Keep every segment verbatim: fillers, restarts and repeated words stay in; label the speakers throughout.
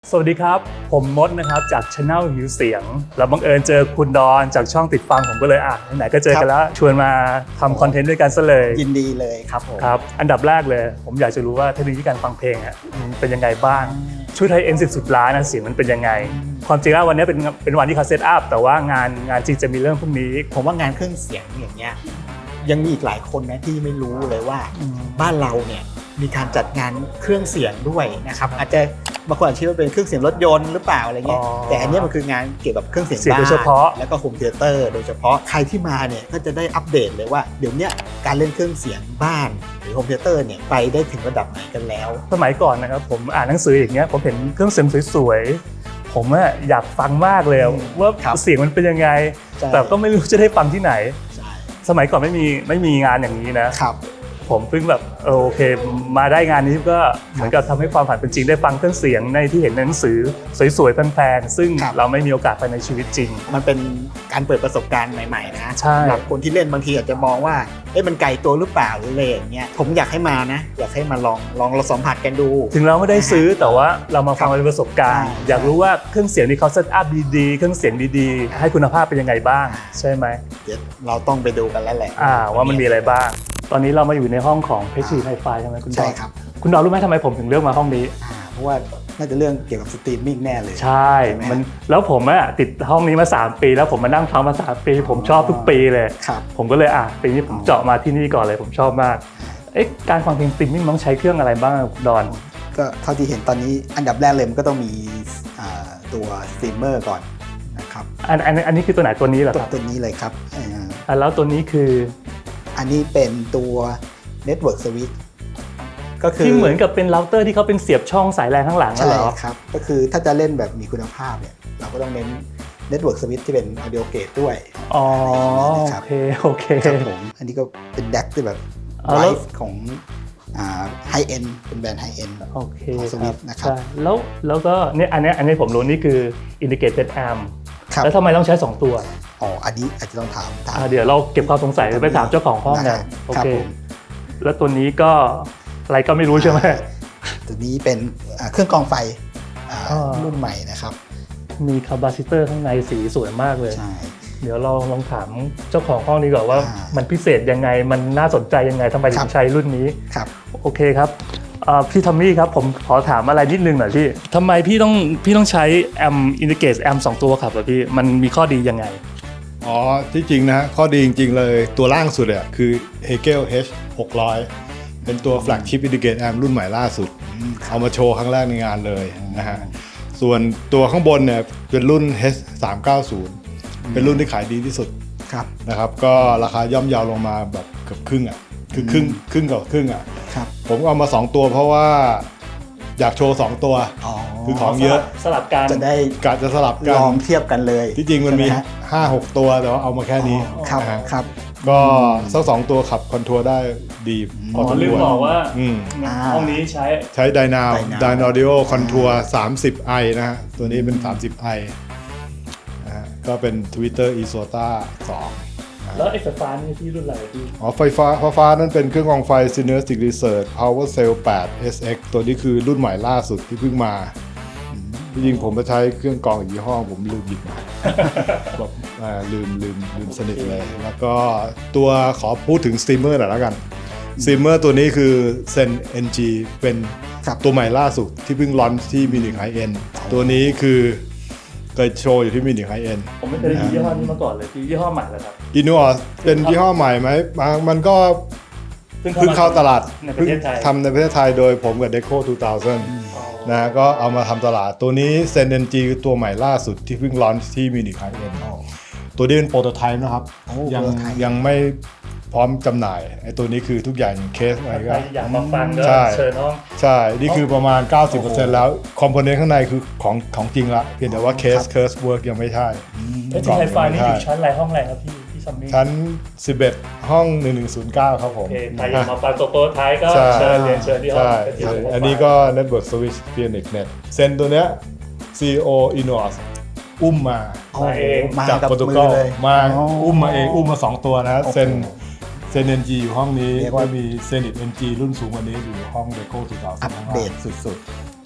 Speaker 1: สวัสดีครับผมมดนะครับจาก Channel หิวเสียงแล้วบังเอิญเจอคุณดอนจากช่องติดฟังผมก็เลยอ่ะไหนๆก็เจอกันแล้วชวนมาทำคอนเทนต์ด้วยกันซะเลย
Speaker 2: ยินดีเลยครับผม
Speaker 1: ครับอันดับแรกเลยผมอยากจะรู้ว่าเทคโนโลยีการฟังเพลงอ่ะมันเป็นยังไงบ้างชุดไทยเอ็นสิบสุดล้านนะเสียงมันเป็นยังไงความจริงแล้ววันนี้เป็นเป็นวันที่เขาเซตอัพแต่ว่างานงานจริงจะมีเรื่องพรุ่งนี้
Speaker 2: ผมว่างานเครื่องเสียงอย่างเงี้ยยังมีอีกหลายคนนะที่ไม่รู้เลยว่าบ้านเราเนี่ยมีการจัดงานเครื่องเสียงด้วยนะครับอาจจะบางคนอาจจะคิดว่าเป็นเครื่องเสียงรถยนต์หรือเปล่าอะไรเงี้ยแต่อันนี้มันคืองานเกี่ยวกับเครื่องเสียงบ้านโดยเฉพาะแล้วก็โฮมเธียเตอร์โดยเฉพาะใครที่มาเนี่ยก็จะได้อัปเดตเลยว่าเดี๋ยวนี้การเล่นเครื่องเสียงบ้านหรือโฮมเธียเตอร์เนี่ยไปได้ถึงระดับไหนกันแล้ว
Speaker 1: สมัยก่อนนะครับผมอ่านหนังสืออย่างเงี้ยผมเห็นเครื่องเสียงสวยๆผมอะอยากฟังมากเลยว่าเสียงมันเป็นยังไงแต่ก็ไม่รู้จะได้ฟังที่ไหนสมัยก่อนไม่มีไม่มีงานอย่างนี้นะครับผมเพิ่งแบบโอเคมาได้งานนี้ก็เหมือนกับทำให้ความฝันเป็นจริงได้ฟังเครื่องเสียงในที่เห็นในหนังสือสวยๆแพงๆซึ่งเราไม่มีโอกาสไปในชีวิตจริง
Speaker 2: มันเป็นการเปิดประสบการณ์ใหม่ๆนะสำหรับคนที่เล่นบางทีอาจจะมองว่าเอ๊ะมันไกลตัวหรือเปล่าหรืออะไรอย่างเงี้ยผมอยากให้มานะอยากให้มาลองลองเราสัมผัสกันดู
Speaker 1: ถึงเราไม่ได้ซื้อแต่ว่าเรามาฟังเป็นประสบการณ์อยากรู้ว่าเครื่องเสียงที่เขาเซตอัพดีๆเครื่องเสียงดีๆให้คุณภาพเป็นยังไงบ้างใช่ไหม
Speaker 2: เดี๋ยวเราต้องไปดูกันแล้วแหละ
Speaker 1: ว่ามันมีอะไรบ้างตอนนี้เรามาอยู่ในห้องของเพชรไฮไฟใช่ไหมคุณดอน
Speaker 2: ใช่ครับ
Speaker 1: คุณดอนรู้ไหมทำไมผมถึงเลือกมาห้องนี้
Speaker 2: เพราะว่าน่าจะเรื่องเกี่ยวกับสตรีมมิ่งแน่เลย
Speaker 1: ใช่มันแล้วผมอะติดห้องนี้มาสามปีแล้วผมมานั่งฟังมาสามปีผมชอบทุกปีเลยผมก็เลยอ่ะปีนี้ผมเจาะมาที่นี่ก่อนเลยผมชอบมากเอ๊ะการฟังเพลงสตรีมมิ่งต้องใช้เครื่องอะไรบ้างคุณดอน
Speaker 2: ก็เท่าที่เห็นตอนนี้อันดับแรกเลยมันก็ต้องมีตัวสตรีมเมอร์ก่อนนะครับ
Speaker 1: อันอันอันนี้คือตัวไหนตัวนี้เหรอครับ
Speaker 2: ตัวนี้เลยครับ
Speaker 1: อ่าแล้วตัวนี้คือ
Speaker 2: อันนี้เป็นตัว Network Switch ก็คือ
Speaker 1: ที่เหมือนกับเป็นเราเตอร์ที่เขาเป็นเสียบช่องสายแรงข้างหลังเหรอ
Speaker 2: ใช่ครับก็คือถ้าจะเล่นแบบมีคุณภาพเนี่ยเราก็ต้องเน้น Network Switch ที่เป็น Audio Gate ด้วย
Speaker 1: อ๋อโอเคโอเค
Speaker 2: ครับผมอันนี้ก็เป็น แดก ที่แบบไลฟ์ของไฮเอ็นเป็นแบรนด์ไฮเอ็น
Speaker 1: โอเค
Speaker 2: ครับนะครับ
Speaker 1: แล้วแล้วก็เนี่ยอันนี้อันนี้ผมรู้นี่คือ Integrated Amp แล้วทำไมต้องใช้สองตัว
Speaker 2: อ๋ออันนี้อาจจะต้องถาม
Speaker 1: เดี๋ยวเราเก็บความสงสัยไปถามเจ้าของห้องกันโอเคแล้วตัวนี้ก็อะไรก็ไม่รู้ใช่ไหม
Speaker 2: ตัวนี้เป็นเครื่องกรองไฟรุ่นใหม่นะครับ
Speaker 1: มีคาปาซิเตอร์ข้างในสีสวยมากเลยเดี๋ยวเราลองถามเจ้าของห้องนี้ก่อนว่ามันพิเศษยังไงมันน่าสนใจยังไงทำไมถึงใช้รุ่นนี้
Speaker 2: ครับ
Speaker 1: โอเคครับพี่ทอมมี่ครับผมขอถามอะไรนิดนึงหน่อยพี่ทำไมพี่ต้องพี่ต้องใช้แอมอินดิเกตแอมสองตัวครับพี่มันมีข้อดียังไง
Speaker 3: อ๋อที่จริงนะข้อดีจริงๆเลยตัวล่างสุดอ่ะคือ Hegel เอช หกร้อยเป็นตัว Flagship Integrated Amp รุ่นใหม่ล่าสุดเอามาโชว์ครั้งแรกในงานเลยนะฮะส่วนตัวข้างบนเนี่ยเป็นรุ่น เอช สามเก้าศูนย์เป็นรุ่นที่ขายดีที่สุดนะครับก็ราคาย่อมเยาลงมาแบบเกือบครึ่งอ่ะคือครึ่งครึ่งกับครึ่งอ่ะผมเอามาสองตัวเพราะว่าอยากโชว์สองตัวคือของเยอะ
Speaker 1: สลับกัน
Speaker 2: จะได้
Speaker 3: กะจะสลับกัน
Speaker 2: ลองเทียบกันเลย
Speaker 3: ที่จริงมันมี ห้าหก ตัวแต่ว่าเอามาแค่นี้
Speaker 2: ครับครับ
Speaker 3: ก็สักสองตัวขับคอนทัวร์ได้ดี
Speaker 1: พอลืมบอกว่าห้องนี้ใช้
Speaker 3: ใช้ไดนาวไดนอดิโอคอนทัวร์สามสิบไอนะฮะตัวนี้เป็นสามสิบไอนะฮะก็เป็น Twitter Isota สอง
Speaker 1: แล้วไอ้ไฟฟ้านี่ที่รุ่นอะไรพี่
Speaker 3: อ๋อไฟฟ้าไฟฟ้านั่นเป็นเครื่องกรองไฟ Synergistic Research Power Cell แปด เอส เอ็กซ์ ตัวนี้คือรุ่นใหม่ล่าสุดที่เพิ่งมาจริงๆผมไปใช้เครื่องกรองอีกยี่ห้อผมลืมหยิบมาแบบลืมลืมลืมสนิทเลยแล้วก็ตัวขอพูดถึงสตรีมเมอร์หน่อยแล้วกันสตรีมเมอร์ตัวนี้คือ Zen เอ็น จี เป็นตัวใหม่ล่าสุดที่เพิ่งลอนช์ที่มินิไฮเอ็นตัวนี้คือเคยโชว์อยู่ที่มินิไฮเอ็น
Speaker 1: ผมไม่เคยได้ยินยี่ห้อนี้มาก่อนเลยคือยี่ห้อใหม่แล้วครับ
Speaker 3: อินนูออสเป็นยี่ห้อใหม่ไหมมันก็เพิ่งเข้าตลาดเพิ่งทำในประเทศไทยโดยผมกับ Deco สองพันนะก็เอามาทำตลาดตัวนี้ Zen เอ็น จี คือตัวใหม่ล่าสุดที่เพิ่งลอนช์ที่มินิไฮเอ็นตัวนี้เป็นโปรโตไทป์นะครับยังยังไม่พร้อมจำหน่ายไอ้ตัวนี้คือทุกอย่างเคสอะไรก็
Speaker 1: อยากมาฟังก็เชิญน้อง
Speaker 3: ใช่นี่คือประมาณ เก้าสิบเปอร์เซ็นต์ แล้วคอมโพเนนต์ข้างในคือของของจริงละเพียงแต่ว่าเคสเคสเวิร์กยังไม่ใช่
Speaker 1: ไอ้ที่ไฮไฟนี่อยู่ชั้นอะไรห้องอะไรครับพี่พี่ซัมมี่
Speaker 3: ชั้นสิบเอ็ดห้องหนึ่งหนึ่งศูนย์เก้าครับผม
Speaker 1: ใครอยากมาฟังตัวโปรไทป์ก็เชิญเรียนเชิญที่ห้อง
Speaker 3: อันนี้ก็ Network Switch Phoenix Net เซนตัวเนี้ย ซี อี โอ Inos อุ้มมาจากโปรโตคอลมาอุ้มมาเองอุ้มมาสองตัวนะเซนเซน เอ็น จี อยู่ห้องนี้ก็มี Zenith เอ็น จี รุ่นสูงกว่านี้อยู่ห้อง Deco สองพัน
Speaker 2: อัปเดตสุด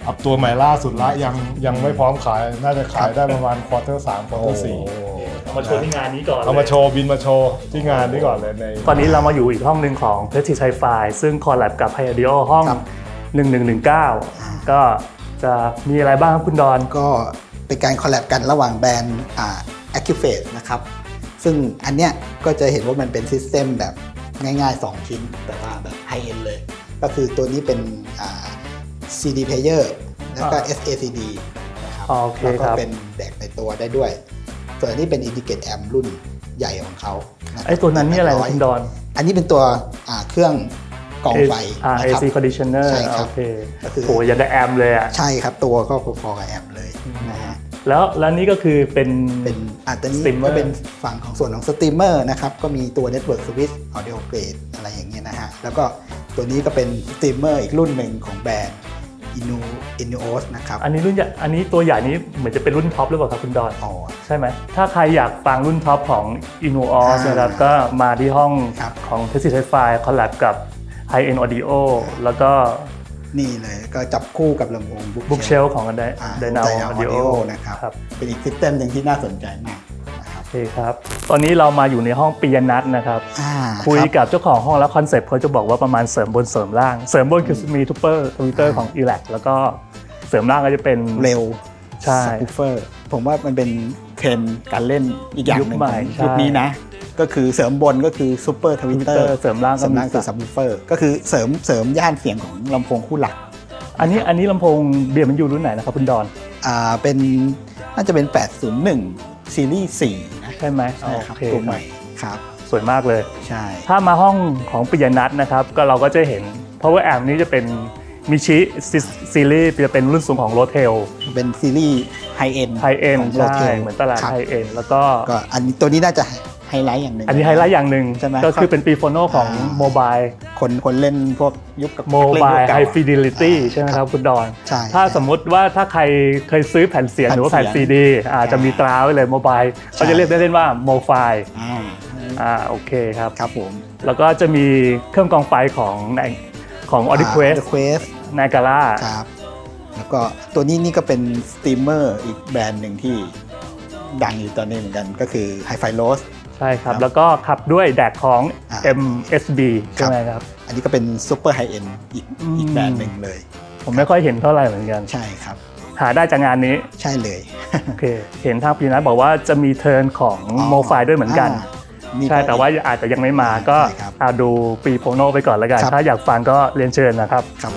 Speaker 3: อัพตัวใหม่ล่าสุดละยังยังไม่พร้อมขายน่าจะขายได้ประมาณควอเตอร์สามควอเตอร์สี่
Speaker 1: เอามาโชว์ที่งานนี้ก่อน
Speaker 3: เอามาโชว์บินมาโชว์ที่งานนี้ก่อนเลยใน
Speaker 1: ตอนนี้เรามาอยู่อีกห้องหนึ่งของ Prestige Hi-Fi ซึ่งคอลแลบกับ Hi-Audio ห้อง
Speaker 2: ครับ
Speaker 1: หนึ่งหนึ่งหนึ่งเก้า ก็จะมีอะไรบ้างครับคุณดอน
Speaker 2: ก็เป็นการคอลแลบกันระหว่างแบรนด์อ่า Acufate นะครับซึ่งอันเนี้ยก็จะเห็นว่ามันเป็นซิสเต็มแบบง่ายๆ สอง ชิ้นแต่ว่าแบบไฮเอ็นเลย ก็คือตัวนี้เป็นอ่า ซี ดี Player แล้วก็
Speaker 1: อ่า
Speaker 2: เอส เอ ซี ดี นะครับ
Speaker 1: โอเค
Speaker 2: แล้วก็
Speaker 1: ครับ
Speaker 2: เป็นแบกในตัวได้ด้วย ส่วนอันนี้เป็น Indicate Amp รุ่นใหญ่ของเขานะครับ
Speaker 1: ไอ้ตัวนั้นนี่อะไรนะคุณดอน
Speaker 2: อันนี้เป็นตัวอ่าเครื่องกรองไฟ
Speaker 1: อ่า
Speaker 2: นะ
Speaker 1: เอ
Speaker 2: ครับ
Speaker 1: ซี Conditioner
Speaker 2: ใช่ครับ
Speaker 1: โอเค
Speaker 2: ก็คือ
Speaker 1: โหยังได้แอมเลยอ่ะ
Speaker 2: ใช่ครับตัวก็พอๆกับแอมเลยนะฮะ
Speaker 1: แล้วแล้วนี่ก็คือเป็น
Speaker 2: เป็นอาจจะนี้
Speaker 1: Streamer
Speaker 2: ก็เป็นฝั่งของส่วนของสตรีมเมอร์นะครับก็มีตัว Network Switch Audio Grade อะไรอย่างเงี้ยนะฮะแล้วก็ตัวนี้ก็เป็นสตรีมเมอร์อีกรุ่นหนึ่งของแบรนด์ Inu Inuos นะครับ
Speaker 1: อันนี้รุ่นใหญ่อันนี้ตัวใหญ่นี้เหมือนจะเป็นรุ่นท็อปหรือเปล่าครับคุณดอน
Speaker 2: อ๋อ
Speaker 1: ใช่ไหม ถ้าใครอยากฟังรุ่นท็อปของ Inuos
Speaker 2: อ่าน
Speaker 1: นะครับ ก็มาที่ห้อง
Speaker 2: ครับ
Speaker 1: ของ Prestige Hi-Fi คอลแลบกับ High End Audio แล้วก็
Speaker 2: นี่เลยก็จับคู่กับลำโพง
Speaker 1: Bookshelf ของ ได
Speaker 2: อ่า
Speaker 1: ไดนาโอ
Speaker 2: Dynamo
Speaker 1: ออดิโอ
Speaker 2: Audio นะครับ
Speaker 1: ครับ
Speaker 2: เป็นอีกซิสเต็มหนึ่งที่น่าสนใจมากนะครับ
Speaker 1: โอเคครับ ตอนนี้เรามาอยู่ในห้องปิยนัทนะครับ
Speaker 2: อ่า
Speaker 1: คุย
Speaker 2: รับ
Speaker 1: กับเจ้าของห้องแล้วคอนเซ็ปต์เขาจะบอกว่าประมาณเสริมบนเสริมล่าง เสริมบนคือมีทูเปอร์ทวิตเตอร์ของ e l a c แล้วก็เสริมล่างก็จะเป็น
Speaker 2: เร็ว
Speaker 1: ใช่
Speaker 2: ซับวูฟเฟอร์ผมว่ามันเป็นเทรนด์การเล่นอีกอย่างหนึ่ง
Speaker 1: ยุคใหม่
Speaker 2: ของ
Speaker 1: ใช่
Speaker 2: ยุคนี้นะ ก็คือเสริมบนก็คือซูเปอร์ทวิตเตอ
Speaker 1: Twitter
Speaker 2: ร์
Speaker 1: เสริมล่าง
Speaker 2: เส
Speaker 1: ก็
Speaker 2: ริม
Speaker 1: มี
Speaker 2: ล่างคือซับวูฟเฟอร์ก็คือเสริมเสริมย่านเสียงของลำโพงคู่หลัก
Speaker 1: อันนี้อันนี้ลำโพงเบียร์มันอยู่รุ่นไหนนะครับคุณดอน
Speaker 2: อ่าเป็นน่าจะเป็น แปดศูนย์หนึ่ง ซีรีส์สี่นะ
Speaker 1: ใช่ไหม
Speaker 2: ใช่ครับ
Speaker 1: โอเค
Speaker 2: ตัวใหม่ครับ
Speaker 1: สวยมากเลย
Speaker 2: ใช่
Speaker 1: ถ้ามาห้องของปิยนัทนะครับก็เราก็จะเห็น Power Amp นี้จะเป็นมิชิซีรีส์จะเป็นรุ่นสูงของ Rotel
Speaker 2: เป็นซีรีส์ไฮเอ็น
Speaker 1: High End ใช่เหมือนตลาด High End แล้วก็
Speaker 2: ก็อันนี้ตัวนี้น่าจะไฮไลท์อย่างหนึ่ง
Speaker 1: อันนี้ไฮไลท์อย่างหนึ่ง
Speaker 2: ใช่ไหม
Speaker 1: ก็คือเป็นปีโฟโนของ
Speaker 2: อ่า
Speaker 1: โมบาย
Speaker 2: คนคนเล่นพวกยุคกับ
Speaker 1: โม
Speaker 2: เล่น
Speaker 1: บาย
Speaker 2: ยุคเก่
Speaker 1: ไฮฟิเดลิตี้
Speaker 2: อ่า
Speaker 1: ใช่ไหมครับคุณดอน
Speaker 2: ใช่
Speaker 1: ถ้าสมมุติว่าถ้าใครเคยซื้อแผ่นเสียง
Speaker 2: แผ่น
Speaker 1: หรือว่าแผ่น
Speaker 2: เสี
Speaker 1: ซี
Speaker 2: ยง
Speaker 1: ดีอาจจะมีตราไว้เลยโมบาย
Speaker 2: ใช่
Speaker 1: เขาจะเรียกได้เล่นว่าโมไฟ
Speaker 2: อ่า
Speaker 1: อ่าโอเคครับ
Speaker 2: ครับผม
Speaker 1: แล้วก็จะมีเครื่องกรองไฟของของ AudioQuest
Speaker 2: Quest
Speaker 1: นากาล่า
Speaker 2: ครับ แล้วก็ตัวนี้นี่ก็เป็นสตรีมเมอร์อีกแบรนด์หนึ่งที่ดังอยู่ตอนนี้เหมือนกันก็คือ Hi-Fi Loss
Speaker 1: ใช่ครับ
Speaker 2: ครับ
Speaker 1: แล้วก็ขับด้วยแดกของ
Speaker 2: อ่า
Speaker 1: เอ็ม เอส บี ใช่ไหมครับ
Speaker 2: อันนี้ก็เป็นซูเปอร์ไฮเอ็นอีก
Speaker 1: อืม
Speaker 2: อีกแบรนด์หนึ่งเลย
Speaker 1: ผมไม่ค่อยเห็นเท่าไหร่เหมือนกัน
Speaker 2: ใช่ครับ
Speaker 1: หาได้จากงานนี้
Speaker 2: ใช่เลย
Speaker 1: โอเค เห็นทางปีนัทบอกว่าจะมีเทิร์นของโมไฟด้วยเหมือนกัน
Speaker 2: านี่
Speaker 1: ใช่
Speaker 2: ก็
Speaker 1: แต่ว่าอาจจะยังไม่มาก็
Speaker 2: ใช่ครับ
Speaker 1: เอาดูปีโพโนไปก่อนแล้วกัน
Speaker 2: ครับ
Speaker 1: ถ้าอยากฟังก็เรียนเชิญนะครับ
Speaker 2: ครับ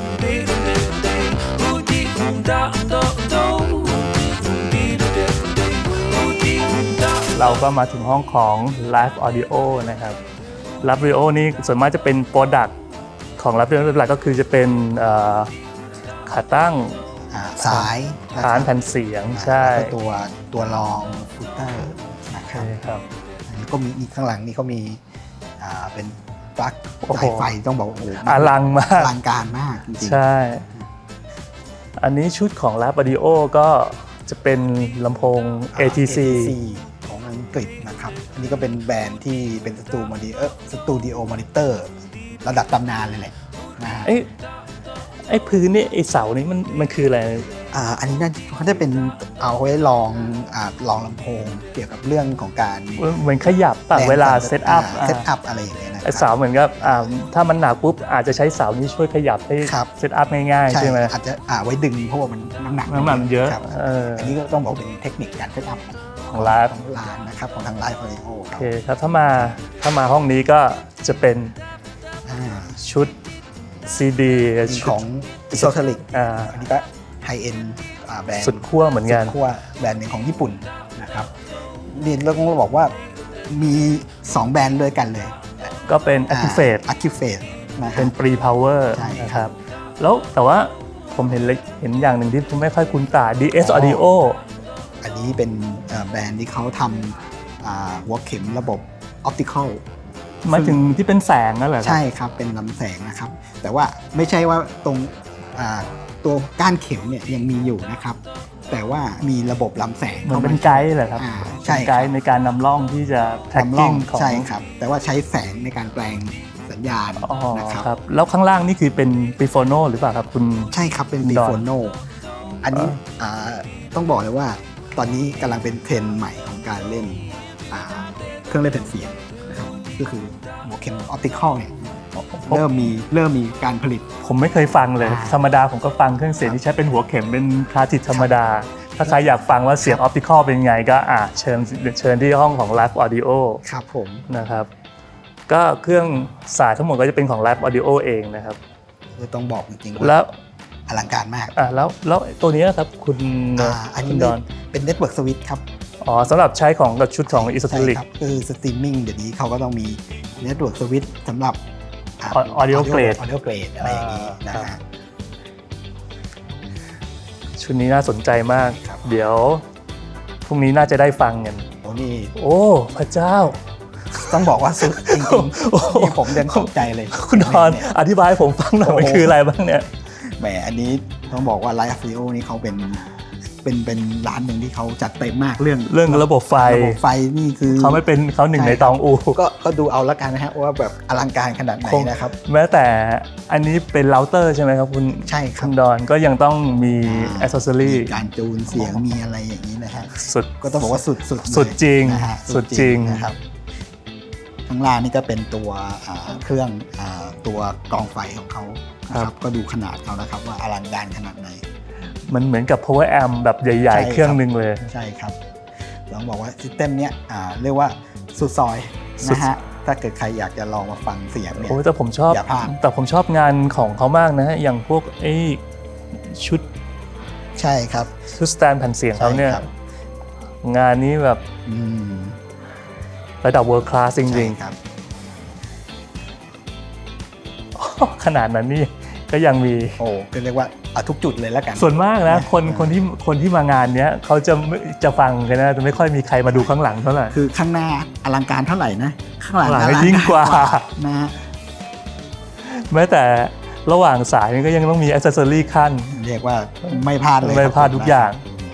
Speaker 1: เราก็มาถึงห้องของ Live Audio นะครับ Live Audio นี่ส่วนมากจะเป็นโปรดักต์ของ Live Audio หลักก็คือจะเป็นเอ่อขาตั้ง
Speaker 2: อ่าสายะ
Speaker 1: ฐาน
Speaker 2: ครับ
Speaker 1: แผ่นเสียง
Speaker 2: อ่า
Speaker 1: ใช่
Speaker 2: แล้วก็ตัวตัวรองฟูเตอร์นะค
Speaker 1: ใช่
Speaker 2: รับ
Speaker 1: ครับ
Speaker 2: แล้วก็มีอีกข้างหลังนี่เขามีอ่าเป็นปลั๊ก
Speaker 1: โอ้โห
Speaker 2: สายไฟต้องบอกว่าโอ้โห
Speaker 1: อลังมา
Speaker 2: อก ลังการมากจริงๆ
Speaker 1: ใช่ อันนี้ชุดของ Live Audio ก็จะเป็นลำโพง เอ ที ซี
Speaker 2: ของอังกฤษนะครับ อันนี้ก็เป็นแบรนด์ที่เป็นสตูมอนิเออสตูดิโอมอนิเตอร์ระดับตำนานเลยแหละนะฮะ
Speaker 1: ไอ้ไอ้พื้นนี่ไอ้เสานี่มันมันคืออะไร
Speaker 2: อ่าอันนี้น่าเขาได้เป็นเอาไว้ลองอ่าลองลำโพงเกี่ยวกับเรื่องของการ
Speaker 1: เหมือนขยับปะเวลาเซตอัพ
Speaker 2: เซตอัพอะไรอย่างเงี้ยนะค
Speaker 1: ไอ้
Speaker 2: รั
Speaker 1: เสาเหมือนกับอ่าถ้ามันหนักปุ๊บอาจจะใช้เสานี้ช่วยขยับให้
Speaker 2: ครับ
Speaker 1: เซตอัพง่ายๆ
Speaker 2: ใช่
Speaker 1: ใช่ไหม
Speaker 2: อาจจะอ่าไว้ดึงเพราะว่ามันน้ำหนัก
Speaker 1: น้ำหนักเยอะ
Speaker 2: ครับ
Speaker 1: เออ
Speaker 2: อันนี้ก็ต้องบอกเป็นเทคนิคการเซตอัพ
Speaker 1: ของร้าน
Speaker 2: ของร้านนะครับของทางไลฟ์ออดิโอค
Speaker 1: โอ
Speaker 2: รับ
Speaker 1: เคครับถ้ามาถ้ามาห้องนี้ก็จะเป็น
Speaker 2: อ่า
Speaker 1: ชุดซีดี
Speaker 2: มีของอิโซเทลิก
Speaker 1: อ่า
Speaker 2: อันนี้ก็ไฮเอ็นแบรนด์
Speaker 1: สุดขั้วเหมือนกัน
Speaker 2: สุดขั้วแบรนด์หนึ่งของญี่ปุ่นนะครับนี่เราต้องบอกว่ามีสองแบรนด์ด้วยกันเลย
Speaker 1: ก็เป็น Activate
Speaker 2: อะคิวเฟสนะครั
Speaker 1: เป็
Speaker 2: บ
Speaker 1: น Pre Power
Speaker 2: ใช่ครับ
Speaker 1: นะครับ แล้วแต่ว่าผมเห็นเลยเห็นอย่างหนึ่งที่ผมไม่ค่อยคุ้นตา ดี เอส
Speaker 2: อ๋อ
Speaker 1: Audio
Speaker 2: อันนี้เป็นเอ่อแบรนด์ที่เขาทำอ่าหัวเข็มระบบออปติคอล
Speaker 1: หมายถึงที่เป็นแสงนั่นเหรอครับ
Speaker 2: ใช่ครับเป็นลำแสงนะครับ แต่ว่าไม่ใช่ว่าตรงอ่าตัวก้านเข็มเนี่ยยังมีอยู่นะครับ แต่ว่ามีระบบลำแสง
Speaker 1: เหมือน
Speaker 2: ข้า
Speaker 1: เป็น
Speaker 2: มา
Speaker 1: ไกด์เหรอครับ
Speaker 2: อ่าใช่
Speaker 1: เป็น
Speaker 2: ค
Speaker 1: ไก
Speaker 2: รับ
Speaker 1: ด์ในการนำร่องที่จะ
Speaker 2: ทำร่อง
Speaker 1: tracking ของ
Speaker 2: ใช่ครับ แต่ว่าใช้แสงในการแปลงสัญญาณ
Speaker 1: อ๋อ
Speaker 2: นะครับ
Speaker 1: ครับ แล้วข้างล่างนี่คือเป็น Prefono หรือเปล่าครับคุณ
Speaker 2: ใช่ครับเป็น
Speaker 1: ด
Speaker 2: ดี
Speaker 1: อน
Speaker 2: โฟโนอันนี้อ่าต้องบอกเลยว่าตอนนี้กำลังเป็นเทรนด์ใหม่ของการเล่นอ่าเครื่องเล่นแผ่นเสียงนะครับก็คือหัวเข็มออปติคอลเนี่ยเริ่มมีเริ่มมีการผลิต
Speaker 1: ผมไม่เคยฟังเลย
Speaker 2: อ่า
Speaker 1: ธรรมดาผมก็ฟังเครื่องเสียงที่ใช้เป็นหัวเข็มเป็นคลาสสิกธรรมดา ถ้าใครอยากฟังว่าเสียงออปติคอลเป็นไงก็อ่ะเชิญเชิญที่ห้องของ Live Audio
Speaker 2: ครับผม
Speaker 1: นะครับก็เครื่องสายทั้งหมดก็จะเป็นของ Live Audio เองนะครับ
Speaker 2: คือต้องบอกจริงๆ
Speaker 1: แล้
Speaker 2: ว่าว อลังการมาก
Speaker 1: อ่ะแล้วแล้วตัวนี้นะครับคุณ
Speaker 2: อ่าอัน
Speaker 1: คุ
Speaker 2: นี้
Speaker 1: ณดอน
Speaker 2: เป็นเน็ตเวิร์กสวิตช์ครับ
Speaker 1: อ๋อสำหรับใช้ของกับชุดของ e s o t e r i c
Speaker 2: ครับคือสตรีมมิ่งเดี๋ยวนี้เขาก็ต้องมีเน็ตเวิร์กสวิตช์สำหรับ
Speaker 1: Audio Grade
Speaker 2: Audio Grade อะไรอย่างนี้นะ
Speaker 1: อ่าครั
Speaker 2: ฮะ
Speaker 1: บ ชุดนี้น่าสนใจมาก
Speaker 2: ครับ
Speaker 1: เดี๋ยวพรุ่งนี้น่าจะได้ฟังกัน
Speaker 2: โอ้นี่
Speaker 1: โอ้พระเจ้า
Speaker 2: ต้องบอกว่าสุดจริง
Speaker 1: โอ้โห
Speaker 2: ๆที่ผมยังตกใจเลย
Speaker 1: คุณดอน
Speaker 2: เนี่ย
Speaker 1: อธิบายให้ผมฟังหน่อย
Speaker 2: โอ้โห
Speaker 1: มันคืออะไรบ้างเนี่ย
Speaker 2: แหมอันนี้ต้องบอกว่า Live Audio นี่เขาเป็นเป็นเป็นร้านหนึ่งที่เขาจัดเต็มมากเรื่อง
Speaker 1: เรื่องระบบไฟ
Speaker 2: ระบบไฟนี่คือ
Speaker 1: เขาไม่เป็นเขาหนึ่ง
Speaker 2: ใช่
Speaker 1: ในตองอู
Speaker 2: ก็ก็ดูเอาละกันนะฮะว่าแบบอลังการขนาดไหน
Speaker 1: คง
Speaker 2: นะครับ
Speaker 1: แม้แต่อันนี้เป็นเราเตอร์ใช่ไหมครับคุณ
Speaker 2: ใช่ครั
Speaker 1: คุ
Speaker 2: บ
Speaker 1: ณดอนก็ยังต้องมี
Speaker 2: อ่า
Speaker 1: อ c เซสซอรี่
Speaker 2: มีการจูนเสียงมีอะไรอย่างนี้นะฮะ
Speaker 1: สุด
Speaker 2: ก็ต้องบอกว่าสุดสุดเลย
Speaker 1: สุดจริง
Speaker 2: นะฮะ
Speaker 1: สุดจริง
Speaker 2: นะครับข้างล่างนี่ก็เป็นตัวอ่าเครื่องอ่าตัวกรองไฟของเขานะครับก็ดูขนาดเขานะครับว่าอลังการขนาดไหน
Speaker 1: มันเหมือนกับ power amp แบบใหญ่
Speaker 2: ใช่
Speaker 1: ๆ เครื่องหนึ่งเลย
Speaker 2: ใช่ครับต้องบอกว่าซิสเต็มเนี้ยอ่าเรียกว่าสุดซอย
Speaker 1: สุด
Speaker 2: นะฮะถ้าเกิดใครอยากจะลองมาฟังเสียงเนี่ย
Speaker 1: โอ้แต่ผมชอบ
Speaker 2: อย่าพลาด
Speaker 1: แต่ผมชอบงานของเขามากนะ อย่างพวกไอ้ชุด
Speaker 2: ใช่ครับ
Speaker 1: ชุดสแตนแผ่นเสียงเขาเนี่ย
Speaker 2: ใช่ครับ
Speaker 1: งานนี้แบบ
Speaker 2: อืม
Speaker 1: ระดับ world class จริง
Speaker 2: ใช่ครับ
Speaker 1: ๆ ขนาดนั้นนี่ก็ยังมี
Speaker 2: โอ้ก็เรียกว่าเอาทุกจุดเลยแล้วกัน
Speaker 1: ส่วนมากนะคน
Speaker 2: อ่า
Speaker 1: คนที่คนที่มางานเนี้ยเขาจะไม่จะฟังกันนะจะไม่ค่อยมีใครมาดูข้างหลังเท่าไหร่
Speaker 2: คือข้างหน้าอลังการเท่าไหร่นะข้างหลัง
Speaker 1: ข้างหลัง
Speaker 2: อลั
Speaker 1: ยิ่งกว่า
Speaker 2: นะฮะ
Speaker 1: แม้แต่ระหว่างสายนี่ก็ยังต้องมีอ c เซสซอรี่ขั้น
Speaker 2: เรียกว่าไม่พลาดเลย
Speaker 1: ไม่
Speaker 2: ครับ
Speaker 1: พลาดทุกอย่าง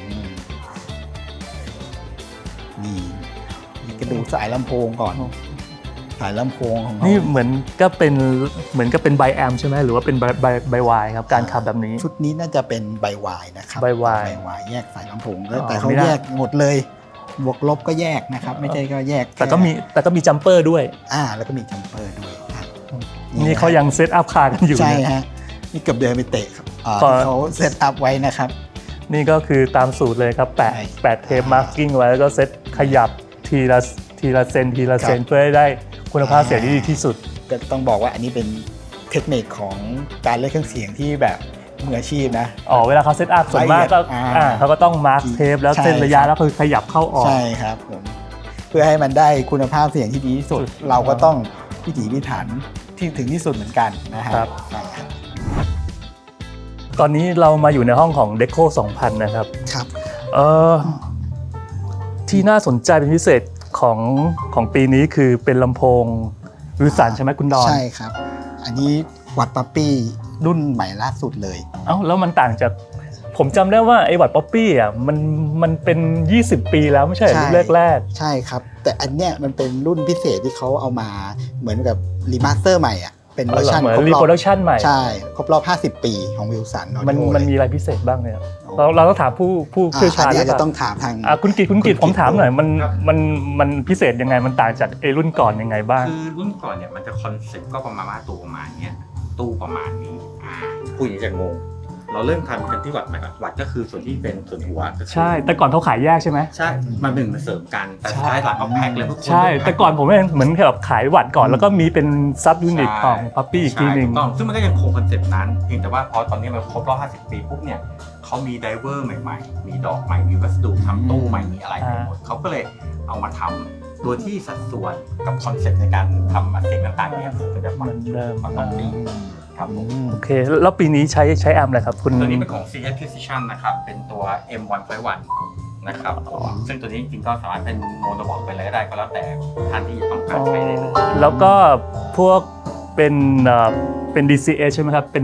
Speaker 2: อืมนี่นี่ก็ดูสายลำโพงก่อน สายลำโพงของเขา
Speaker 1: นี่เหมือนก็เป็นเหมือนกับเป็นไบแอมใช่ไหมหรือว่าเป็นไบไบไบวายครับการขับแบบนี้
Speaker 2: ชุดนี้น่าจะเป็นใบวายนะครับ
Speaker 1: ใบวาย
Speaker 2: ใบวายแยกสายลำโพงแล้ว
Speaker 1: อ๋อ
Speaker 2: แต่เขา
Speaker 1: ไม่ได้
Speaker 2: แยกหมดเลย บวกลบก็แยกนะครับ ไม่ใช่ก็แยก
Speaker 1: แต่ก็มีแต่ก็มีจัมเปอร์ด้วย
Speaker 2: อ่าแล้วก็มีจัมเปอร์ด้วยครับ
Speaker 1: นี่เขายังเซตอัพคาร์กันอยู่
Speaker 2: ใช่
Speaker 1: เนี่ย
Speaker 2: ฮะนี่เกือบเดินไปเตะครับอ่า
Speaker 1: พอ
Speaker 2: ที่เขาเซตอัพไว้นะครับ
Speaker 1: นี่ก็คือตามสูตรเลยครับแปะ
Speaker 2: ใช่
Speaker 1: แปะเทปมาร์กิ้งไว้แล้วก็เซตขยับทีละทีละเซนทีละเซน
Speaker 2: ครับ
Speaker 1: เพื่อให้ได้คุณภาพเสียงที่ดีที่สุด
Speaker 2: ก็ต้องบอกว่าอันนี้เป็นเทคนิคของการเล่นเครื่องเสียงที่แบบมืออาชีพนะ
Speaker 1: อ๋อเวลาเขาเซตอัพส่วนมากก็
Speaker 2: ละเอียดอ่า
Speaker 1: อ่าเขาก็ต้องมาร์คเทปแล้ว
Speaker 2: ใช่
Speaker 1: เส้นระยะ
Speaker 2: ครับ
Speaker 1: แล้วคือขยับเข้าออก
Speaker 2: ใช่ครับผมเพื่อให้มันได้คุณภาพเสียงที่ดีที่สุด
Speaker 1: สุด
Speaker 2: เราก็ต้องพิถีพิถันที่ถึงที่สุดเหมือนกันนะฮะ
Speaker 1: ครับ
Speaker 2: ใช่ครับ
Speaker 1: ตอนนี้เรามาอยู่ในห้องของ Deco สองพันนะครับ
Speaker 2: ครับ
Speaker 1: เอ่อที่น่าสนใจเป็นพิเศษของของปีนี้คือเป็นลำโพงวิลสันใช่ไหมคุณดอน
Speaker 2: ใช่ครับ อันนี้วัดปั๊ปปี้รุ่นใหม่ล่าสุดเลย
Speaker 1: เอ้าแล้วมันต่างจากผมจำได้ว่าไอ้วัดป๊อปปี้อ่ะมันมันเป็นยี่สิบปีแล้วไม่ใช่เหรอ
Speaker 2: ใช่
Speaker 1: รุ่นแรก
Speaker 2: ใช่ครับ แต่อันเนี้ยมันเป็นรุ่นพิเศษที่เขาเอามาเหมือนกับรีมาสเตอร์ใหม่อ่ะเป็น
Speaker 1: ๆ
Speaker 2: เวอร์ชัน
Speaker 1: เหมือน
Speaker 2: ครบ
Speaker 1: รี
Speaker 2: รอ
Speaker 1: โปรดั
Speaker 2: บ
Speaker 1: กชันใหม่
Speaker 2: ใช่ครบรอบห้าสิบปีของวิลสัน
Speaker 1: มันมันมีอะไรพิเศษบ้างเนี่ยเราเราต้องถามผู้ผู้เชี่ยวชาญ
Speaker 2: อันนี้
Speaker 1: หรือ
Speaker 2: อาจ
Speaker 1: เป
Speaker 2: จะ
Speaker 1: ล่า
Speaker 2: ต้องถามทาง
Speaker 1: อ่ะคุณกิตคุณกิต
Speaker 2: คุณกิต
Speaker 1: ผมถามหน่อยมัน
Speaker 4: ครับ
Speaker 1: มันมันพิเศษยังไงมันต่างจากไอ้รุ่นก่อนยังไงบ้าง
Speaker 4: คือรุ่นก่อนเนี่ยมันจะคอนเซ็ปต์ก็ประมาณว่าตู้ประมาณเนี้ยตู้ประมาณนี้อ่าพูดอย่างนี้จะงง เราเริ่มทำกันที่วัดใหม่ก่อนวัดก็คือส่วนที่เป็นส่วนหัวก็คือ
Speaker 1: ใช่ แต่ก่อนเขาขายแยกใช่ไหม
Speaker 4: ใช่มันเป็นเหมือนเสริมกันแต่สุดท้ายหลังเขาแพ็คเลยทุกคน
Speaker 1: ใช่ แต่ก่อนผมเห็นเหมือนแบบขายวัดก่อนแล้วก็มีเป็นซับยูนิตของพัปปี้อีกทีหนึ่ง
Speaker 4: ใช่ถูต้องซึ่งมันก็ยังคงคอนเซ็ปต์นั้นเพียงแต่ว่าพอตอนนี้มันครบรอบห้าสิบปีปุ๊บเนี่ยเขามีไดเวอร์ใหม่ๆ มีดอกใหม่มีวัสดุทำตู้ใหม่มีอะไรใหม่หมดเขาก็เลยเอามาทำโดยที่สัดส่วนกับคอนเซ็ปต์ในการทำเสียงต่างๆเนี่ยก็จะ
Speaker 1: เหมือนเดิม
Speaker 4: ปกติครับผม
Speaker 1: โอเค แล้วปีนี้ใช้ใช้แอมอะไรครับคุณ
Speaker 4: ตัวนี้เป็นของ ซี เอส Precision นะครับ เป็นตัว เอ็ม หนึ่ง ไฟว์ วัน นะครับ ซึ่งตัวนี้จริงๆก็สามารถเป็นโมโนบอกไปเลยก็ได้ก็แล้วแต่ท่านที่ต้องการใช้ได้เลย
Speaker 1: แล้วก็พวกเป็นเอ่อเป็น ดี ซี เอ ใช่ไหมครับ เป็นชุด